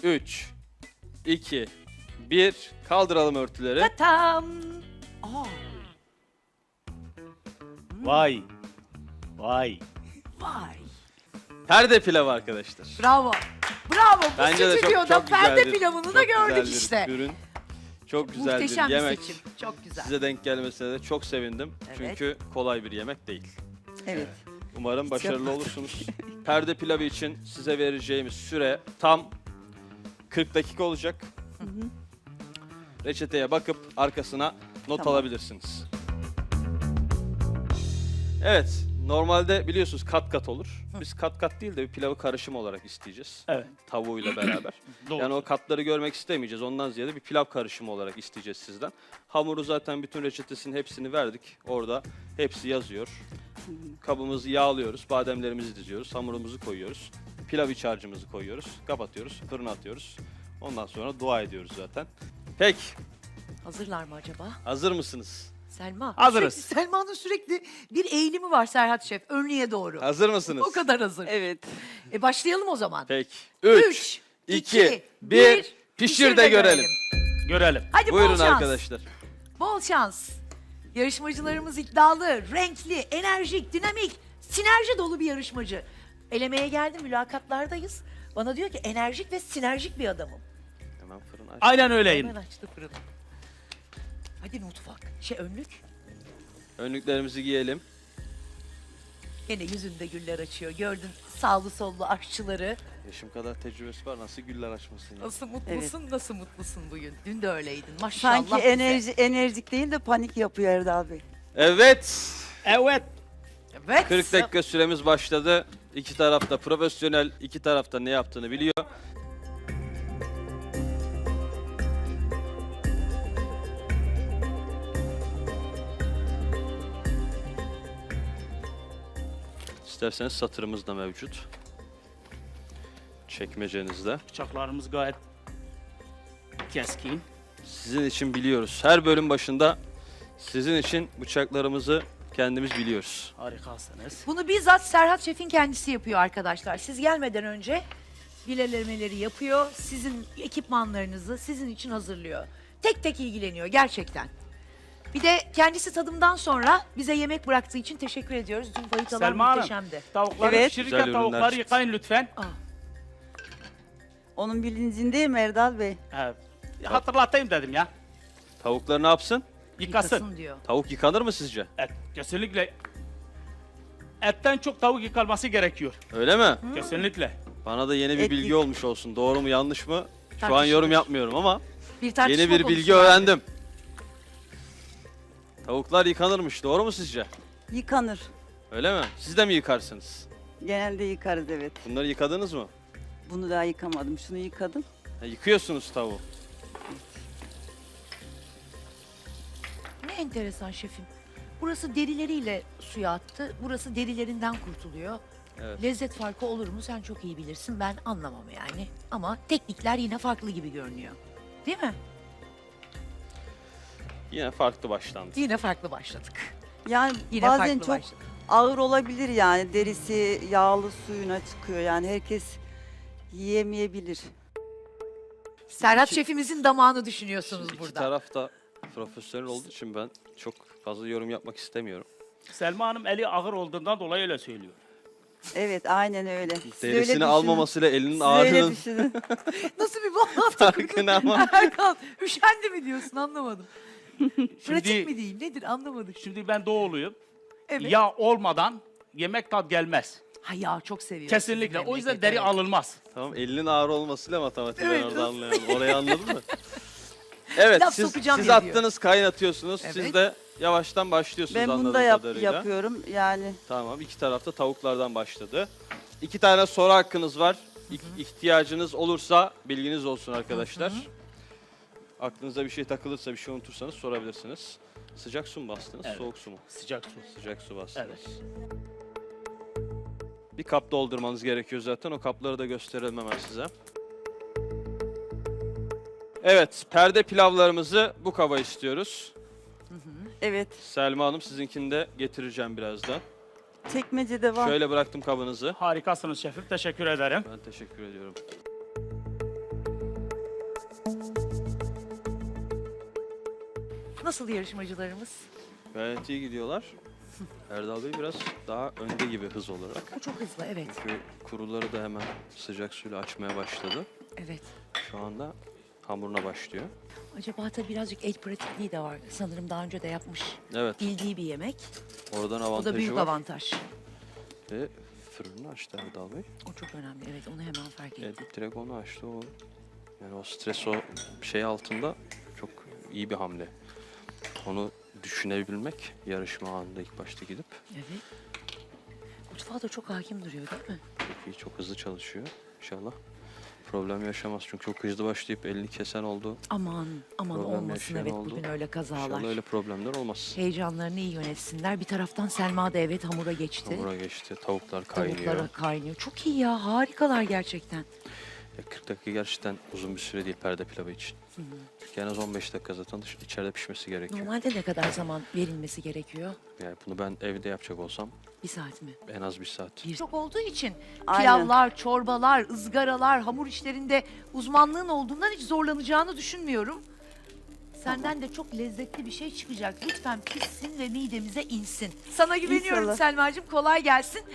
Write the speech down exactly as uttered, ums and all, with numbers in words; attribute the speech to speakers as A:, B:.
A: üç, iki, bir. Kaldıralım örtüleri.
B: Tatam. Aa,
C: Vay. Vay.
B: vay.
A: Perde pilavı arkadaşlar.
B: Bravo. Bravo. Bu
A: Bence de çok,
B: stüdyoda
A: çok
B: perde
A: güzel bir-
B: pilavını
A: çok
B: da
A: güzel
B: gördük
A: bir
B: işte.
A: ürün. Çok güzel
B: Muhteşem
A: bir
B: bir
A: yemek.
B: seçim. Çok güzel.
A: Size denk gelmesine de çok sevindim.
B: Evet.
A: Çünkü kolay bir yemek değil.
D: Evet.
A: Umarım başarılı olursunuz. Perde pilavı için size vereceğimiz süre tam kırk dakika olacak. Reçeteye bakıp arkasına not
D: Tamam.
A: alabilirsiniz. Evet, normalde biliyorsunuz kat kat olur. Biz kat kat değil de bir pilavı karışım olarak isteyeceğiz.
C: Evet.
A: Tavuğuyla beraber.
C: Doğru.
A: Yani o katları görmek istemeyeceğiz. Ondan ziyade bir pilav karışımı olarak isteyeceğiz sizden. Hamuru zaten bütün reçetesinin hepsini verdik. Orada hepsi yazıyor. Kabımızı yağlıyoruz, bademlerimizi diziyoruz, hamurumuzu koyuyoruz. Pilav iç harcımızı koyuyoruz, kapatıyoruz, fırına atıyoruz. Ondan sonra dua ediyoruz zaten. Peki,
B: Hazırlar mı acaba?
A: hazır mısınız?
B: Selma.
C: Hazırız.
B: Sürekli, Selma'nın sürekli bir eğilimi var Serhat Şef. Önlüğe doğru.
A: Hazır mısınız?
B: O kadar hazır.
D: Evet.
B: E başlayalım o zaman.
A: Peki. üç, iki, bir. Pişir de görelim.
C: Görelim.
B: Hadi bol
A: Buyurun
B: şans.
A: arkadaşlar.
B: Bol şans. Yarışmacılarımız iddialı, renkli, enerjik, dinamik, sinerji dolu bir yarışmacı. Elemeye geldim, mülakatlardayız. Bana diyor ki enerjik ve sinerjik bir adamım.
A: Hemen fırın aç.
C: Aynen öyleyim.
B: Hemen açtı fırını. Hadi mutfak. Şey önlük.
A: Önlüklerimizi giyelim.
B: Gene yüzünde güller açıyor. Gördün sağlı sollu aşçıları.
A: Yaşım kadar tecrübesi var. Nasıl güller açmasın ya?
B: Nasıl mutlusun, nasıl mutlusun bugün? Dün de öyleydin. Maşallah.
D: Sanki
B: bize.
D: enerji enerjik değil de panik yapıyor Erdal Bey.
A: Evet.
C: Evet.
B: Evet.
A: kırk dakika süremiz başladı. İki tarafta profesyonel, iki tarafta ne yaptığını biliyor. İsterseniz satırımız da mevcut. Çekmecenizde.
C: Bıçaklarımız gayet keskin.
A: Sizin için biliyoruz. Her bölüm başında sizin için bıçaklarımızı kendimiz biliyoruz.
C: Harikasınız.
B: Bunu bizzat Serhat Şef'in kendisi yapıyor arkadaşlar. Siz gelmeden önce bilelemeleri yapıyor. Sizin ekipmanlarınızı sizin için hazırlıyor. Tek tek ilgileniyor gerçekten. Bir de kendisi tadımdan sonra bize yemek bıraktığı için teşekkür ediyoruz. Dün bayıtalar
C: Selma Hanım.
B: muhteşemdi.
C: Tavukları
D: Evet.
C: pişirirken
A: Güzel ürünler
C: tavukları
A: çıktı.
C: yıkayın lütfen.
B: Aa,
D: Onun bilincindeyim Erdal Bey.
C: Evet. Hatırlatayım dedim ya.
A: Tavuklar ne yapsın?
C: Yıkasın.
B: yıkasın diyor.
A: Tavuk yıkanır mı sizce?
C: Et. Kesinlikle. Etten çok tavuk yıkanması gerekiyor.
A: Öyle mi?
C: Kesinlikle.
A: Bana da yeni bir
D: Et
A: bilgi
D: yık-
A: olmuş olsun. Doğru mu yanlış mı? Şu an
B: Tartışılır.
A: yorum yapmıyorum ama
B: Bir tartışma
A: yeni bir
B: konusu
A: bilgi
B: vardı.
A: öğrendim. Tavuklar yıkanırmış. Doğru mu sizce?
D: Yıkanır.
A: Öyle mi? Siz de mi yıkarsınız?
D: Genelde yıkarız evet.
A: Bunları yıkadınız mı?
D: Bunu daha yıkamadım. Şunu yıkadım.
A: Ha, yıkıyorsunuz tavuğu.
B: Ne enteresan şefim. Burası derileriyle suya attı. Burası derilerinden kurtuluyor.
A: Evet.
B: Lezzet farkı olur mu sen çok iyi bilirsin. Ben anlamam yani. Ama teknikler yine farklı gibi görünüyor. Değil mi?
A: Yine farklı başlandı.
B: Yine farklı başladık.
D: Yani
B: Yine
D: bazen
B: farklı
D: çok
B: başladık.
D: ağır olabilir yani. Derisi yağlı suyuna çıkıyor. Yani herkes yiyemeyebilir.
B: Serhat
A: İki-
B: şefimizin damağını düşünüyorsunuz
A: Şimdi iki
B: burada.
A: taraf da profesyonel olduğu için ben çok fazla yorum yapmak istemiyorum.
C: Selma Hanım eli ağır olduğundan dolayı öyle söylüyor.
D: Evet aynen öyle. Siz öyle
A: Derisini
D: düşünün.
A: almamasıyla elinin
D: Siz öyle
A: ağrının
D: düşünün.
B: Nasıl bir bağlantı
A: farkına ama.
B: Erkan, üşendi mi diyorsun anlamadım. Pratik
C: Şimdi-
B: mi diyeyim nedir anlamadık.
C: Şimdi ben doğuluyum.
B: Evet.
C: Yağ olmadan yemek tat gelmez.
B: Ha ya çok seviyorum.
C: Kesinlikle.
B: sizin
C: O yüzden
B: memleketi,
C: deri
B: evet.
C: alınmaz.
A: Tamam, elinin ağır olmasıyla matematiği
B: Evet,
A: ben orada
B: nasıl?
A: anlayamadım. Orayı anladın mı? Evet,
B: Laf
A: siz,
B: sokacağım
A: siz
B: diye diyor.
A: attınız, kaynatıyorsunuz. Siz
B: Evet.
A: de yavaştan başlıyorsunuz
D: Ben bunu
A: anladığım
D: da yap-
A: kadarıyla.
D: yapıyorum. Yani
A: Tamam, iki tarafta tavuklardan başladı. İki tane soru hakkınız var. İh- ihtiyacınız olursa bilginiz olsun arkadaşlar. Aklınıza bir şey takılırsa, bir şey unutursanız sorabilirsiniz. Sıcak su mu bastınız,
C: Evet.
A: soğuk su mu?
C: Sıcak su.
A: Sıcak su bastınız.
C: Evet.
A: Bir kap doldurmanız gerekiyor zaten. O kapları da gösterelim hemen size. Evet, perde pilavlarımızı bu kaba istiyoruz.
D: evet.
A: Selma Hanım, sizinkini de getireceğim birazdan.
D: Çekmecede var.
A: Şöyle bıraktım kabınızı.
C: Harikasınız şefim. Teşekkür ederim.
A: Ben teşekkür ediyorum.
B: Nasıl yarışmacılarımız?
A: Gayet iyi gidiyorlar. Erdal Bey biraz daha önde gibi hız olarak.
B: O çok hızlı, evet.
A: Çünkü kuruları da hemen sıcak suyla açmaya başladı.
B: Evet.
A: Şu anda hamuruna başlıyor.
B: Acaba tabii birazcık el pratikliği de var. Sanırım daha önce de yapmış.
A: Evet,
B: Bildiği bir yemek.
A: oradan
B: O
A: avantajı
B: da büyük
A: var.
B: avantaj.
A: Ve fırını açtı Erdal Bey.
B: O çok önemli. Evet, onu hemen fark ettim.
A: Evet, direkt onu açtı. O, yani o stres, o şey altında çok iyi bir hamle. Onu düşünebilmek yarışma anında ilk başta gidip
B: Evet. Mutfağa da çok hakim duruyor değil mi?
A: çok iyi, çok hızlı çalışıyor. İnşallah problem yaşamaz. Çünkü çok hızlı başlayıp elini kesen oldu.
B: Aman, aman
A: Problem
B: olmasın.
A: yaşayan
B: Evet,
A: oldu.
B: bugün öyle kazalar.
A: İnşallah öyle problemler olmaz.
B: Heyecanlarını iyi yönetsinler. Bir taraftan Selma da evet hamura geçti.
A: Hamura geçti, tavuklar kaynıyor.
B: Tavuklara kaynıyor. Çok iyi ya, harikalar gerçekten.
A: Ya kırk dakika gerçekten uzun bir süre değil perde pilavı için. En az on beş dakika zaten dış- içeride pişmesi gerekiyor.
B: Normalde ne kadar zaman verilmesi gerekiyor?
A: Yani bunu ben evde yapacak olsam
B: Bir saat mi?
A: en az bir saat.
B: Bir. Çok olduğu için
D: Aynen.
B: pilavlar, çorbalar, ızgaralar, hamur işlerinde uzmanlığın olduğundan hiç zorlanacağını düşünmüyorum. Senden de çok lezzetli bir şey çıkacak. Lütfen pişsin ve midemize insin. Sana güveniyorum
D: İnşallah.
B: Selma'cığım. Kolay gelsin.